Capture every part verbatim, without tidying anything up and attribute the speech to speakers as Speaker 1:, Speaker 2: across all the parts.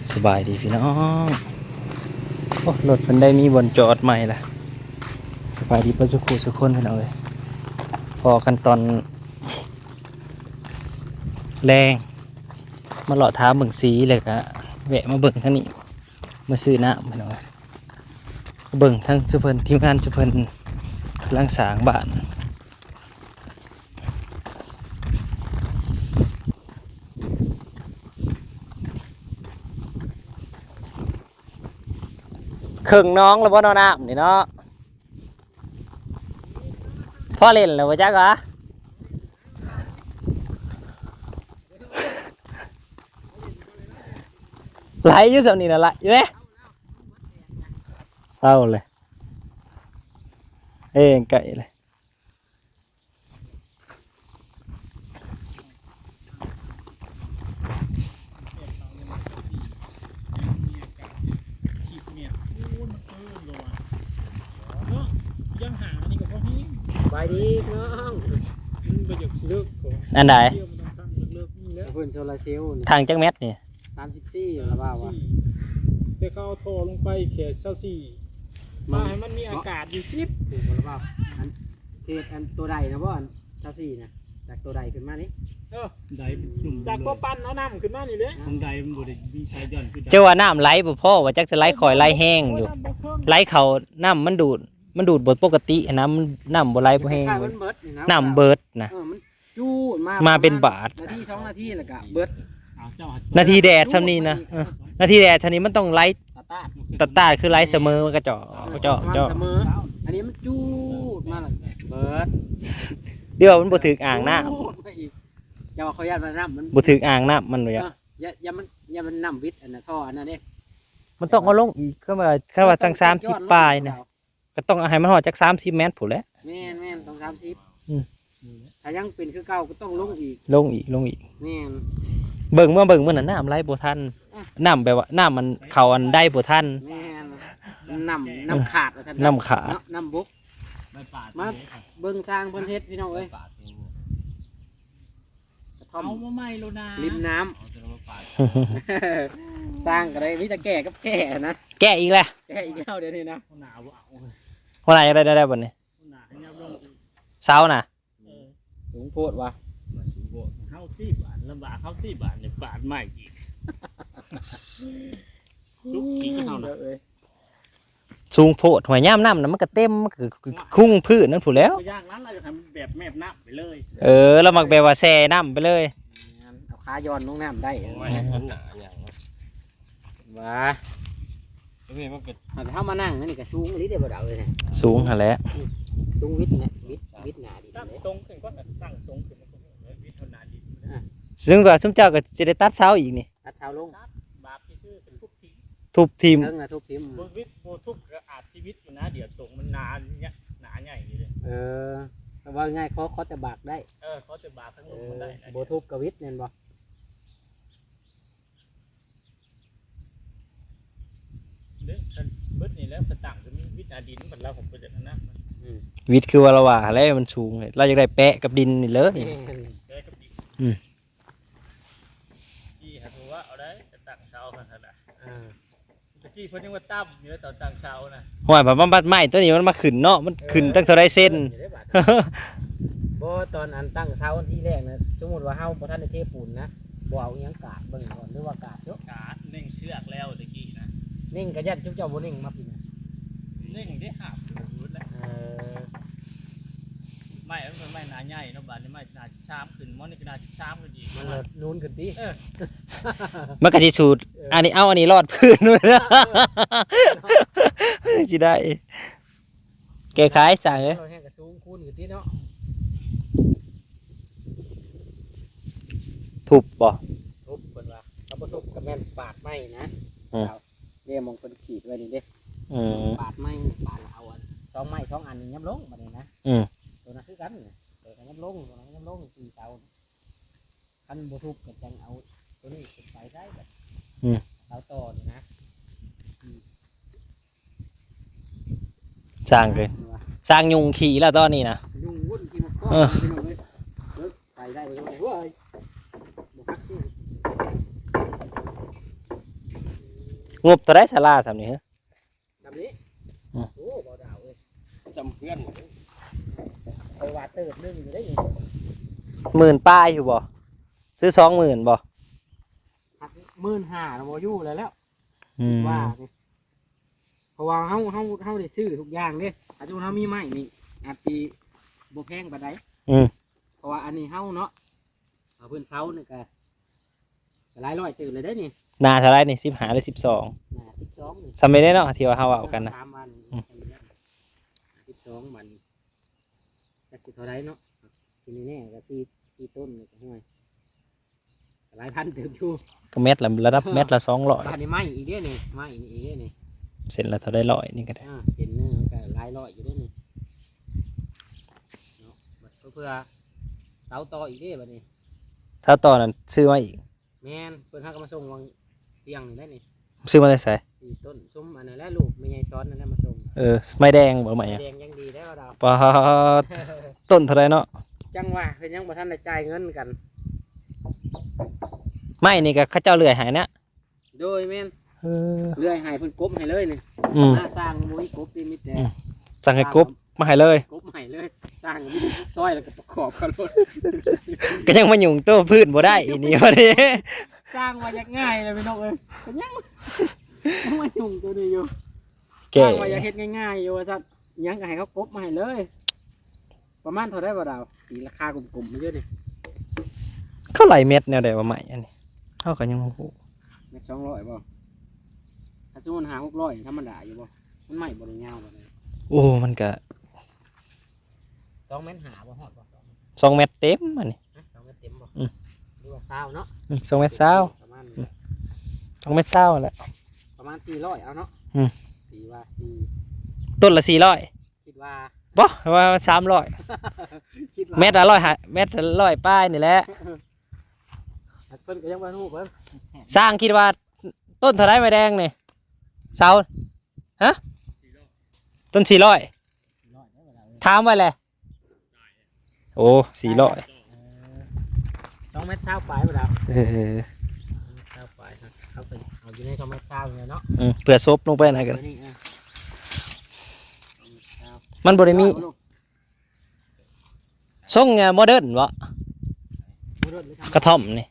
Speaker 1: สบายดีพี่น้องโอ้รถมันได้มีบนจอดใหม่ละสบายดีเพื่อนสุขุสุขคนพี่น้องเลยพอกันตอนแรงมาหล่อท้าเบิ่งสีเลยกะแวะมาเบิ่งทั้งนี้มาซื้อน้ำพี่น้องเลยเบิ่งทั้งสุพรรณทีมงานสุพรรณกำลังสร้างบ้านครึ่งน้องแล้วพ่อนอนน้ำนี่เนาะพ่อเล่นแล้ววะจ๊ะกะไหลอยู่สำนี้นะไหลอยู่เนี่ยเอาเลยเอ้งไก่เลย
Speaker 2: ไปดีน้องมันไปจากเลือก
Speaker 1: อันไหน
Speaker 2: เพื่อนโซลาเซลล์
Speaker 1: ทางจักเม็ดนี่
Speaker 2: สามสิบสี่แล้วว่าว่าแต่เขาเอาท่อลงไปแค่เท่าสี่มาให้มันมีอากาศอยู่สิบถูกแล้วว่าอันเทศอันตัวใดนะบ่อันเท่าสี่นะจากตัวใดขึ้นมานี่เออใดจากตัวปั้นเอาน้ำขึ้นมานี่เลยของใดมันบ่ได้มีชายย่อนขึ้น
Speaker 1: เจ้าว่าน้ำไหลบ่พ่อว่าจักจะไหลคอยไหลแห้งอยู่ไหลเขาน้ำมันดูดมันดูดบทปกติน้ำน้ำบ่ไหลบ่แห้งน้ำเบิดนะ
Speaker 2: จูดมา
Speaker 1: มาเป็นบาท
Speaker 2: นาทีสองนาทีแล้วก็เบิด
Speaker 1: นาทีแดดซ้ำนี้นะนาทีแดดท่านี้มันต้องไหลตัดตาคือไหลเสมอมันก็เจาะเจาะเจาะ
Speaker 2: เสมออันนี้มันจูดมาแล้วเบิด
Speaker 1: เดี๋ยวมันบ่ถึกอ่างน้
Speaker 2: ำอย่าว่าเขายัดมาน้ำมัน
Speaker 1: บ่ถึกอ่างน้ำมันเลยอ่ะ
Speaker 2: อย่าอย่ามันอย่ามันน้ำวิทย์อันนั้นท่ออันนั้นเด้
Speaker 1: มันต้องเอาลงอีกก็ว่าแค่ว่าตั้งสามสิบปลายนะก็ต้องให้มันหอดจากสามสิบเมตรผู้นแหละ
Speaker 2: แม่นแม่นต้องสามสิบถ้ายังเป็นคือเก่าก็ต้องลงอีก
Speaker 1: ลงอีกลงอีก
Speaker 2: แม่น
Speaker 1: เบิ่งเมื่อเบิ่งเมื่อนั้นน้ำไหลบ่ทันน้ำแบบว่าน้ำมันเข่าอันได้บ่ทัน
Speaker 2: แม่นน้ำน้ำขาดว่าซั่น
Speaker 1: น้ำขาด
Speaker 2: น้ำบุกมาเบิ่งสร้างเพิ่นเฮ็ดพี่น้องเอ้ยเอามาใหม่โลนาริมน้ำสร้างก็ได้มีแต่แก่กับแก่นะ
Speaker 1: แก่อีกแล้ว
Speaker 2: แก่อีกแล้วเดี๋ยวนี้นะ
Speaker 1: คนไหนได้ได้บ่นี่เสาน่ะ
Speaker 2: สูงโพดว่ะเข้าที่บาทลำบากเข้าที่บาทเนี่ยบาทใหม่อีกลุกขี้เข้าเนาะ
Speaker 1: สูงโพดหัวย่ามน้ำน่ะมันก็เต็มมันก็คุ้งพื้นนั่นผู้แล้ว
Speaker 2: ย่างนั้นเราจะทำแบบแมบน้ำไปเลย
Speaker 1: เออแล้วมักแบบว่าแช่น้ำไปเลย
Speaker 2: เอาขาย้อนลงน้ำได้ว้าถ้ามานั่งนี่ก็สูงนิดเดียวบ่ได้เลยเนี่ย
Speaker 1: สูงหั่นแหละ
Speaker 2: สูงวิทย์เนี่ยวิทย์วิทย์หนาดิตรงขึ้นก็ตั้งตรงขึ้นวิทย์เท่านาดิ
Speaker 1: ซึ่งว่าซุมเจ้าก็จะได้ตัดเสาอีกนี่
Speaker 2: ตัดเสาลงบาปที่ชื่อเป็นทุบทีม
Speaker 1: ทุบทีม
Speaker 2: เรื่องนะทุบทีมบนวิทย์โบทุบก็อาจชีวิตอยู่นะเดี๋ยวตรงมันนานเนี่ยหนาใหญ่เลยเออว่าง่ายเขาเขาจะบากได้เออเขาจะบากทั้งหมดมันได้โบทุบกับวิทย์เนี่ยบ่เรื่องเบิดนี่แล้วกระตังจะมีวิทย์อาดินเหมือนเราผมไปจากนั้น
Speaker 1: วิทย์คือว่าเราว่าแล้วมันสูงเลยเราจะได้แปะกับดินนี่เลย
Speaker 2: แปะกับดินอืมที่หาตัวว่าเอาได้จะตั้งเสาขนาดไหนตะกี้เพิ่นยังว่าตั้มอยู่แล้วตอนตั้งเสานะ
Speaker 1: ห่วยแบบบัดไม้ตัวนี้มันมาขึ้นเนาะมันขึ้นตั้งเท่าไรเส้น
Speaker 2: บ่ตอนอันตั้งเสาที่แรกนะสมมติว่าเฮาบ่ทันได้เทปูนนะบ่เอาหยังกาดเบิ่งก่อนหรือว่ากาดเยอะกาดเน่งเชือกแล้วตะกี้นะเน่งกระยันจุ๊บเจ้าบ่เน่งมาพี่นะเน่งได้หับรู้แล้วเออไม่มันเป็นไม้หนาใหญ่เนาะบาดนี้ไม้หนาช้ำขึ้นมันนี่ก็หนาช้ำขึ้นอีกมันนูนขึ้นดิ
Speaker 1: มันกะสิสูตรอันนี้เอาอันนี้รอดพื้นด้วยนะสิได้แก้ไขสั่งเอ้ย
Speaker 2: เราแห้งกระสูงคูณขึ้นดิเนาะ
Speaker 1: ทุบบ่
Speaker 2: ทุบเพิ่นว่าเขาบ่ทุบก็แม่นปาดไม้นะเดี๋ยวมองเพิ่นขีดไว้นี่เด้
Speaker 1: อืม
Speaker 2: ปาดไม้ปาดเอาอันสองไม้สองอันยับลงบัดนี้นะ
Speaker 1: อืม
Speaker 2: ตัวนั้นคือกันตัวนั้นยับลงตัวนั้นยับลงสี่เสาคันบ่ทุบก็จังเอาตัวนี้ขึ้นไปได้แบบเสาต่อนี่นะ
Speaker 1: สร้างเลยสร้างยุงขี่แล้วตอนนี้นะ
Speaker 2: ยุงวุ่นขี่มาก้อนไปได้เลยเว้ยบ่ฮักที่
Speaker 1: งบตัวได้ศาลาทำนี่ฮะ
Speaker 2: แบบนี้
Speaker 1: อืม
Speaker 2: โอ้บ่ดาวเอ้ย
Speaker 3: จำเพื่อน
Speaker 2: ไปว่าเติบนึงอยู่ได้นี่
Speaker 1: หมื่นป้ายอยู่บ่ซื้อสองหมื่นบ่
Speaker 2: หักหมื่นห้าแล้วบ่อยู่แล้วแล้ว
Speaker 1: อืม
Speaker 2: ว่านี่เพราะว่าเฮาเฮาเฮาได้ซื้อทุกอย่างเด้อาจจะเฮามีไม้นี่อาจสิบ่แพงปานใด
Speaker 1: อืม
Speaker 2: เพราะว่าอันนี้เฮาเนาะเอาเพิ่นเซานี่ก็ก็หลายร้อยตื่นเลยได้นี่
Speaker 1: นาเท่าไรนี่สิบหาหรือสิบสอง
Speaker 2: น่ะสิบสองนี่
Speaker 1: สมัยได้เนาะที่ว่าเฮาเอากันนะ
Speaker 2: สามวัน
Speaker 1: อืม
Speaker 2: สิบสองวันจักสิเท่าไรเนาะทีนี้แน่ก็สี่สี่ต้นนี่ก็ห่วยก็หลายพันเติบอยู่
Speaker 1: ก็เม็ดละระดับเม็ดละสองร้อย
Speaker 2: บ้านนี้ไม้อีกเด้นี่ไม้นี่อีกเด้นี่
Speaker 1: เสร็จละเท่าได้ร้อยนี่ก็ได้
Speaker 2: อ่าเส้นหนึงมันก็หลายร้อยอยู่เด้นี่เนาะบัดเพื่อเสาต่ออีกเด้บัดนี้
Speaker 1: ถ้าตอนนั้นซื้อมาอีก
Speaker 2: แม่นเพิ่นหาก็มาส่งวางเตียงนี่ได้นี่
Speaker 1: ซื้อมาได้ใส่
Speaker 2: สี่ต้นซุ้มอันนั้นแหละลูกไม่ใหญ่ซ้อนนั่นแหละมาส่ง
Speaker 1: เออไม่แดงบ่ใหม่อะ
Speaker 2: แดงยังดีได้ว่าดาว
Speaker 1: ปาดต้นเท่าไรเนาะ
Speaker 2: จังว่าเพิ่นยังบ่ทันได้จ่ายเงินกัน
Speaker 1: ไม่นี่ก็เข้าเจ้าเลื่อยหายเนี่ย
Speaker 2: โดยแม่น
Speaker 1: เออ
Speaker 2: เลื่อยให้เพิ่นกบให้เลยนี่
Speaker 1: อืม
Speaker 2: หน้าสร้างบ่มีกบนี่มีแต่
Speaker 1: อืม สั่งให้กบมาให้เลย
Speaker 2: กบให้เลย สร้างมีซอยแล้วก็ประกอบกันรถ
Speaker 1: ก็ยังมาหยุ่งโต้พืชบ่ได้อีนี่วะนี่
Speaker 2: สร้างว่าอยากง่ายเลยพี่น้องเอ้ยก็ยังยังมาจุ่มตัวนี้อยู่
Speaker 1: แก่
Speaker 2: สร้างว่าอยากเฮ็ดง่ายๆอยู่ว่าซั่นยังก็ให้เขากบมาให้เลย ประมาณเท่าไดบ่ดาวตีราคากลมๆมาเยอะนี่
Speaker 1: เขาไหลเม็ดแนวใดว่าใหม่อันนี้เขาก็ยังบ่ฮู้
Speaker 2: แม่สองร้อยบ่ถ้าสมมุติหาหกร้อยธรรมดาอยู่บ่มันใหม่บ่ได้ยาวบ่ได้
Speaker 1: โอ้มันก็
Speaker 2: สองเมตรหาบ่ฮอดบ่
Speaker 1: สองเม็ดเต็มอันนี้
Speaker 2: ฮะสองเมตรเต็มบ่
Speaker 1: อืม
Speaker 2: หรือว่าเศร้าเนาะ
Speaker 1: อืมสองเม็ดเศร้า
Speaker 2: ประมาณ
Speaker 1: สองเม็ดเศร้าแหละ
Speaker 2: ประมาณสี่ร้อยเอาเนาะ
Speaker 1: อืม
Speaker 2: สี่ว่าสี่
Speaker 1: ต้นละสี่ร้อย
Speaker 2: คิดว่า
Speaker 1: บ่ว่าสามร้อย
Speaker 2: คิดว่า
Speaker 1: เม็ดละร้อยหาเม็ดละร้อยป้ายนี่แหละ
Speaker 2: เพิ่นก็ยังบ่รู้เพิ่น
Speaker 1: สร้างคิดว่าต้นเท่าไรไม้แดงนี่เสาฮะต้นสี่ร้อย
Speaker 2: สี่ร้อยได้บ่ล่ะเอ้ย
Speaker 1: ถามไว้เลยโอ้สี่ร้อย
Speaker 2: เออสองเมตรเศร้าปลายบ่ล่ะ
Speaker 1: เออ
Speaker 2: เศร้าปลายครับเอาไปเอาอยู่ในสองเมตรเศร้าเนี่ยเนาะ
Speaker 1: อืมเผื่อซบลงไปไหนกัน
Speaker 2: เอานี่อ่ะสองเมตรเศร้า
Speaker 1: มันบริมี
Speaker 2: เอาลูก
Speaker 1: ทรงโมเดิร์นวะ
Speaker 2: บ่รถหรือทำ
Speaker 1: กระท่อมนี่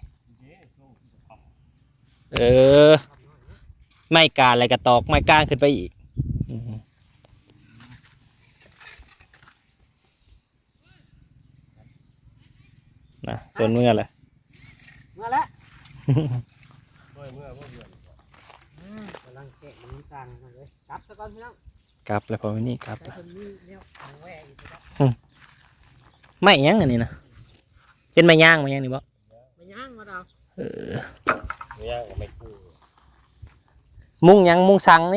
Speaker 1: เออไม่กาอะไรกระตอกไม่ก้างขึ้นไปอีกอืมนะต้นเมื่อแหละ
Speaker 2: มาแล้ว
Speaker 3: เมื่อเมื่อเมื่อเดือน
Speaker 2: อืมกำลังแกะมันต่างกันเลยกลับซะก่อนพี่น้อง
Speaker 1: กลับแล้วพอวันนี้กลับ
Speaker 2: แต่
Speaker 1: แล้ว
Speaker 2: คนนี้เนี่ยทางแหวกอยู่ครับ
Speaker 1: ไม่หยังอันนี้นะเป็นไม้ย่างไม้ย่างนี่บ่
Speaker 2: ไม่ย่างมาเรา
Speaker 1: เออ
Speaker 3: ไม่ยากก็ไม่กู้
Speaker 1: มุงหยังมุงสังนี่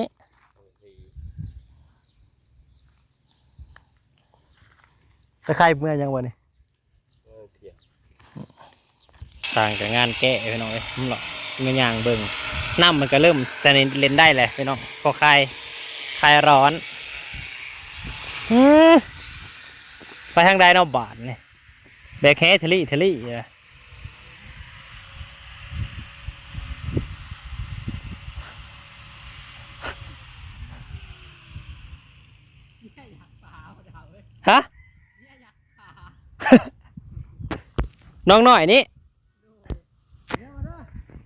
Speaker 1: ตะไคร้เมื่อยังวะนี่
Speaker 3: โอเค
Speaker 1: ต่างจากงานแกะพี่น้องเอ้ยมันหรอกมันย่างเบิ่งน้ำมันก็เริ่มจะเล่นได้แหละพี่น้องพอคลายคลายร้อนอืมไปทางใดเนาะบาทนี่แบกแฮทะลี่ทะลี่อะ
Speaker 2: เนี่ยอยากป่าเอาเดาเว้ย
Speaker 1: ฮะ
Speaker 2: เนี่ยอยากป่า
Speaker 1: น้องหน่อยนี่
Speaker 2: เดี๋ยวมา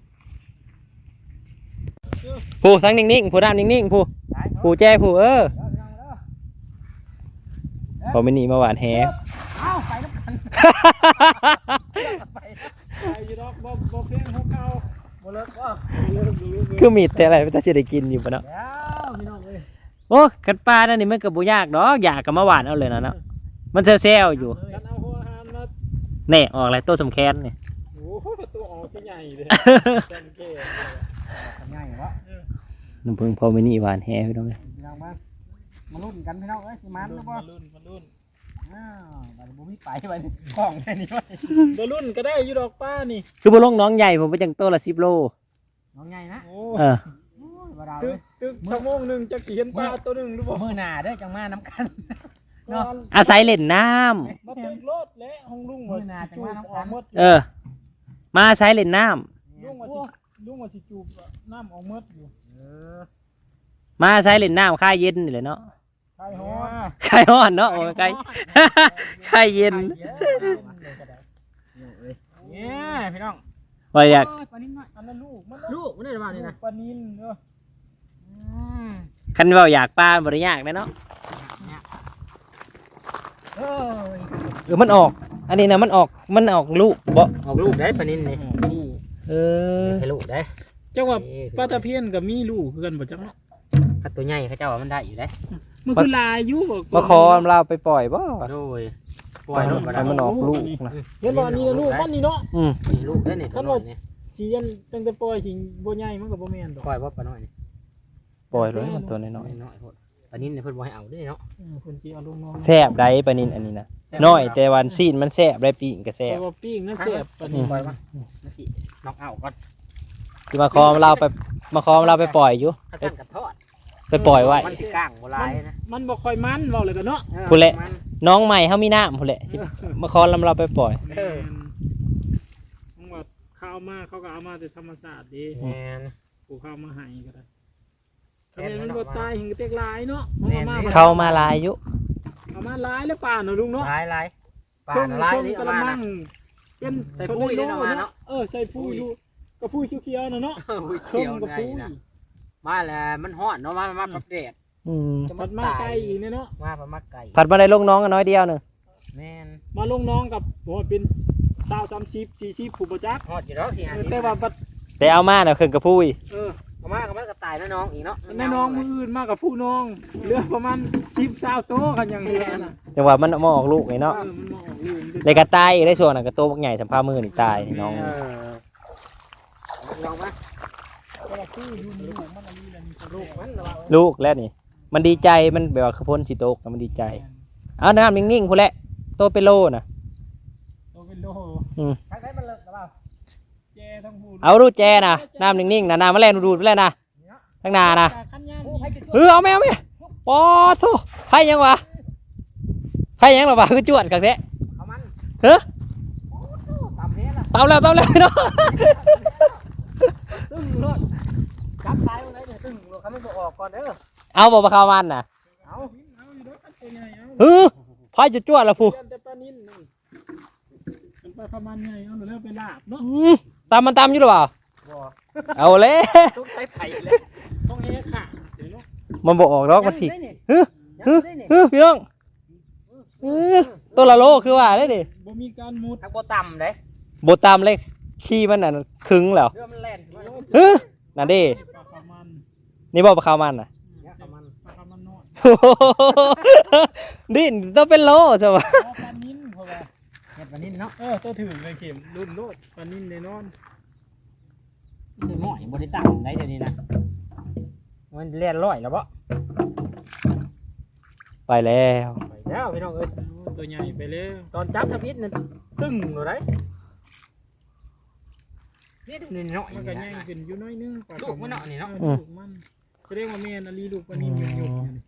Speaker 2: เด้อ
Speaker 1: ผู้ทั้งนิ่งๆผู้น้ำนิ่งๆผู้
Speaker 2: ไปเถอะ
Speaker 1: ผู้แจ้ผู้เออ
Speaker 2: เดี๋ยวพี่น้องเด้อ
Speaker 1: พอไม่หนีมาหวานแฮ
Speaker 2: เอ้าไปน้ำกันไป
Speaker 3: ไปยูดอกบ่บ่เพียงหัวเก่า
Speaker 2: บ่เลิกบ่
Speaker 3: เลิกเลิก
Speaker 1: คือมีแต่อะไรไม่ต้องจะได้กินอยู่ปะเนาะ
Speaker 2: เดี๋ยวพี่น้องเอ้ย
Speaker 1: โอ้กันปลานั่นนี่มันก็บ่ยากดอกอยากกับมาหวานเอาเลยนะเนาะมันเซลล์ๆอยู่
Speaker 3: กันเอาหัวหามนะ
Speaker 1: แน่ออกอะไรตัวสำแคนนี่
Speaker 3: โอ้โหตัวออกที่ใหญ่เลยจังเก้
Speaker 2: ง่ายเหรอ
Speaker 1: น้ำพึ่งพอไม่หนีหวานแฮพี่น้องเอ้ย
Speaker 2: พี่น้องมามาลุ้นกันพี่น้องเอ้ยสิมันหรือบ่
Speaker 3: มาลุ้นมาลุ้น
Speaker 2: อ้าวบัดบ่มีไปไปของแค่นี้ไว้
Speaker 3: มาลุ้นก็ได้ยูดอกป้านี่
Speaker 1: คือบ่ลงน้องใหญ่ผมไปจังตัวละสิบโล
Speaker 2: น้องใหญ่นะ
Speaker 3: โอ้
Speaker 1: เออ
Speaker 2: โอ้ยบ่ดาว
Speaker 3: ตึ
Speaker 2: เล
Speaker 3: ก
Speaker 2: ย
Speaker 3: ตึกชั่วโมงหนึ่งจะเห็นปลาตัวหนึ่งหรือเปล่า
Speaker 2: มื้อหน้าเด้อจังมาน้ำกัน
Speaker 3: เนาะ
Speaker 1: อาศัยเล่นน้
Speaker 3: มาตึกรถและห้องลุงหมด
Speaker 2: มื้อหน้าจังว่าน้ำ
Speaker 3: อ
Speaker 2: กั
Speaker 3: อน กหมด
Speaker 1: ำเออ มาอาศัยเล่นน้
Speaker 3: ลุงว่าสิลุงว่าสิจูบน้ำออกเมดอยู่
Speaker 2: เออ
Speaker 1: มาใช้เล่นน้ำคลายเย็นนี่แหละเนาะ
Speaker 3: ใครฮ้อน
Speaker 1: คลายร้อนเนาะโอ้ยคลายคลายเย็น
Speaker 2: เนี่ยพี่น้อง
Speaker 1: ว่าอยาก
Speaker 2: ปลานิ่มน้อย
Speaker 3: อันนั้นลูกมัน
Speaker 2: ลูกมันได้ประมาณนี้นะ
Speaker 3: ปลานินเนาะ
Speaker 1: คันเว่าอยากปลาบริยากเลยเนาะ
Speaker 2: เออ
Speaker 1: เออมันออก อันนี้นะมันออกมันออกลูกบ่
Speaker 2: ออกลูกได้ปลานิ่มนี่
Speaker 3: ลูก
Speaker 1: เออ
Speaker 2: ให้ลูกได้
Speaker 3: จังว่าปลาตะเพียนกับมีลูกคือกันบ่จังเนาะ
Speaker 2: ถ้าตัวใหญ่เขาเจ้าว่ามันได้อยู่ได้
Speaker 3: มันคือลายอยู่บ่
Speaker 1: มาคอเราไปปล่อยบ่
Speaker 2: โดยปล่อยลูกมา
Speaker 1: ให้
Speaker 2: ได้
Speaker 1: มันออกลูกนะ
Speaker 3: เห็นบ่อันนี้นะลูกมันนี่เนาะ
Speaker 1: อืม
Speaker 2: มีลูกได้เนี่ยตัวน้อยนี่
Speaker 3: สิยันตั้งแต่ปล่อยสิบ่ใหญ่มันก็บ่แม่นดอก
Speaker 2: ปล่อยว่าปลาน้อยนี่
Speaker 1: ปล่อยเลยตัวน้อย
Speaker 2: น้อยน้อยโพดปลานิ่มเนี่ยเพิ่นบ่ให้เอาด้วยเนาะ
Speaker 3: เออคนสิเอาลงน้อง
Speaker 1: ๆแซ่บได้ปลานินอันนี้นะน้อยแต่วันซีนมันแซ่บได้ปีกก็แซ่
Speaker 3: แต่
Speaker 1: บ
Speaker 3: ว่าปิ้งนั่นแซ่บปลานิน
Speaker 2: ปล่อยมานาทีน็อกเอาก่อน
Speaker 1: ที่มาคอเราไปมาคอเราไปปล่อยอยู่
Speaker 2: ถ้าสั่นกับทอด
Speaker 1: ไปปล่อยไว้
Speaker 2: มันสิก้างบ่ลายนะ
Speaker 3: มันบ่ค่อยมันเว้าเลยกันเนาะ
Speaker 1: พูดแหละ น้องใหม่เขามีน้ำพูนแหละสิมาคอเราเราไปปล่อย
Speaker 3: แม่นมึงว่าข้าวมาเขาก็เอามาแต่ธรรมชาติเด้
Speaker 2: แม่น
Speaker 3: กูข้าวมาให้ก็ได้
Speaker 2: แม่
Speaker 3: ทำไม
Speaker 2: น
Speaker 3: มัน
Speaker 2: มัน
Speaker 3: บ่
Speaker 2: ออกมา
Speaker 3: ตายหิงเต็กลายเนาะ
Speaker 2: แม่น
Speaker 3: เอามา
Speaker 1: เข้ามาลายอยู่
Speaker 3: เอามาหลายแล้วป่าเนาะลุงเนาะ
Speaker 2: ลายลายปลา
Speaker 3: เครื่อง
Speaker 2: น่ะลาย
Speaker 3: เครื่อง
Speaker 2: นี่
Speaker 3: ก
Speaker 2: เอา
Speaker 3: ระ
Speaker 2: มา
Speaker 3: มั
Speaker 2: นะ
Speaker 3: งเป็น
Speaker 2: ใส่ปุ้ย
Speaker 3: โล
Speaker 2: ได้เนาะมาเนาะ
Speaker 3: เออใส่ปุ้ยอยู่กระปุ้ยเขียวๆน่ะเนาะ
Speaker 2: อุ้ย
Speaker 3: เครื่
Speaker 2: เขี
Speaker 3: อง
Speaker 2: ยว
Speaker 3: กระ
Speaker 2: ไง
Speaker 3: ปุ้ย
Speaker 2: นะมาแล้วมันฮ้อนเนาะมามาปรับแดด
Speaker 1: อืม
Speaker 2: จะ
Speaker 3: ผัดมาไก่อีกเนี่ยเนาะ
Speaker 2: มาปลามาไก่
Speaker 1: ผัดมาได้ลงน้องกันน้อยเดียวหนึ่ง
Speaker 2: แม่น
Speaker 3: มาลงน้องกับบ่ว่าเป็นสาวสามสิบสี่สิบผู้บ่จัก
Speaker 2: ฮอดอยู่แล้วสิ
Speaker 3: เอ
Speaker 2: หา
Speaker 3: อ
Speaker 2: สิ
Speaker 3: แต่ว่าบัด
Speaker 1: แต่เอามาเนี่ยเครื่องกระพุ้ย
Speaker 3: เออ
Speaker 2: เอามาก็มันก็ตายนะน้องอีกเนาะ
Speaker 3: แน่น้องมืออื่นมากกับผู้น้องเหลือประมาณสิบสาวโตกันอย่างเดียวน่ะ
Speaker 1: จังหวะมันมาออกลูกไง
Speaker 3: เอ
Speaker 1: เนาะ
Speaker 3: อมันมาออกลูก
Speaker 1: เลยกระตายอีกได้ช่วงนั้นกระโตบักใหญ่สัมภามือนี่ตายนี่น้อง
Speaker 2: เออลองมา
Speaker 3: แต่ว่าคืออยู่ในลูกมันอันนี้แหละนี่ก็
Speaker 2: ลู
Speaker 3: ลู
Speaker 2: ก
Speaker 3: ก
Speaker 2: มันระวัง
Speaker 1: ลูกแล้วนี่ มันดีใจมันแบบว่าขพ้นสิโตกมันดีใจ เอาน้ำนิ่งๆพูนแหละโตเป็นโลน่ะ
Speaker 3: โตเป็นโล
Speaker 2: ใครๆมันเลิกระวัง
Speaker 3: แจทั้งผู้
Speaker 1: เอาดูแจนะน้ำนิ่งๆนะน้ำมาแล่นดูดๆไปเลยนะทั้งนานะ
Speaker 3: ขันยาม
Speaker 2: โอ้ใครจะ
Speaker 1: เออเอาไหมเอาไหมปอโธ่ไพ่ยังวะไพ่ยังหรอวะคือจวดกันแท้
Speaker 2: เอามัน
Speaker 1: เฮ้ย
Speaker 2: ตามเนี้ยล่ะ
Speaker 1: ตามแล้วตามแล้วเนาะ
Speaker 2: ตึ้งรถจับตายมันเลยเนี่ยตึ้งรถเขาไม่บอกออกก่อนเด้อ
Speaker 1: เอาบอกมาเข้ามันน่ะ
Speaker 2: เอา
Speaker 3: เอาอยู่ด้วยกันตัวใหญ่เอา
Speaker 1: เออไพ่จะจวดแล้วผู้
Speaker 3: เรียนแต่ปลานิ่นนั่นมันไปประมาณไงเอาหนูเริ่มไปลาบเนาะ
Speaker 1: อืมตามมันตามอยู่หรือเปล่า
Speaker 2: บ่
Speaker 1: เอาเลย
Speaker 2: ต้องใช้ไผ่เลย
Speaker 3: ต้องเอะค่ะเดี๋ยวเนาะ
Speaker 1: มันบอกออกดอกมันผิด
Speaker 2: ยังได้นี่
Speaker 1: เฮ้ย
Speaker 2: ยังได้นี่
Speaker 1: เฮ้ยพี่น้องเออตัวละโลคือว่าได้ดิ
Speaker 3: บ่มีการมุด
Speaker 2: ทักบ่ต่ำเด้
Speaker 1: โบตามเลยขี้มันน่ะครึงแล้ว
Speaker 2: เรือมันแล่นมาเนาะ
Speaker 1: เฮ้ยนั่นดิ
Speaker 3: ปลาขาวมัน
Speaker 1: นี่บอกปลาข้าวมันน่ะ
Speaker 2: เนี่ยเอามัน
Speaker 3: ปลาขาวมันน้อย
Speaker 1: โอ้โหดิต้องเป็นโลใช่ปะ
Speaker 3: อ๋อปลานิ่นเขาว่า
Speaker 2: เห็ดวันนี้เนาะ
Speaker 3: เออตัวถือเลยเข็มรุ่นโลดปลานิ่นแน่นอน
Speaker 2: คือหม้อยบ่ได้ตั้งได้เดี๋ยวนี้นะมันเลียนร้อยแล้วบ่
Speaker 1: ไปแล้ว
Speaker 2: ไปแล้วพี่น้องเอ้ย
Speaker 3: โอ้ตัวใหญ่ไปแล้ว
Speaker 2: ตอนจับทพิษนั่นตึ้งเลยได้นี่ดูนี่เนาะ
Speaker 3: มันก็ใหญ่ขึ้นอยู่น้อยนึงปลา
Speaker 2: ลูกมันเนาะนี่เนาะ
Speaker 3: ออลูกมันแสดงว่าแม่นอลีลูกปลานิ่นหยุดหยุดอยู่นี่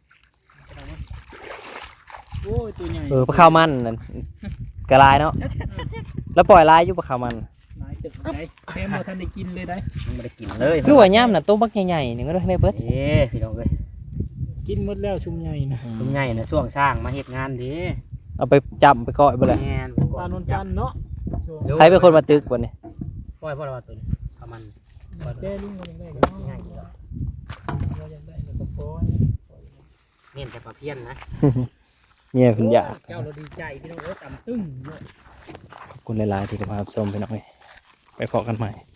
Speaker 3: โอ้ยตัวใหญ่
Speaker 1: เออปลาข้าวมันนั่นกระลายเนาะแล้วปล่อยลายอยู่ปลาข้าวมัน
Speaker 3: หลายตึกได้แม่มาทันได้กินเลยได้
Speaker 2: มันไม่ได้กินเลย
Speaker 1: คือว่าย่ำน่ะตัวบักใหญ่ๆนี่ก็ได้เบิด
Speaker 2: เอ้พี่น้องเอ้ย
Speaker 3: กินหมดแล้วชุมใหญ่นะ
Speaker 2: คุณใหญ่นะช่วงสร้างมาเฮ็ดงานดี
Speaker 1: เอาไปจับไปก้อยไปเลย
Speaker 2: แม่น
Speaker 3: ปลานนจันทร์เนาะ
Speaker 1: ใครเป็นคนมาตึกบนนี่
Speaker 2: ปล่อยพ่อเราตัวนี้ประมาณ
Speaker 3: แจ้ลุงกันได้ก็
Speaker 2: ง่ายอยู่แล้ว
Speaker 3: เราอยากได้ก็ปล่อย
Speaker 2: เน้นแต่ปลาเพี้ยนนะ
Speaker 1: เนี่ยคุณอยาก
Speaker 3: เจ้าเราดีใจพี่น้องเอ้ยต่ำตึ้งเนาะ
Speaker 1: ขอบคุณหลายๆที่ติดตามชมพี่น้องเอ้ยไปพอกันใหม่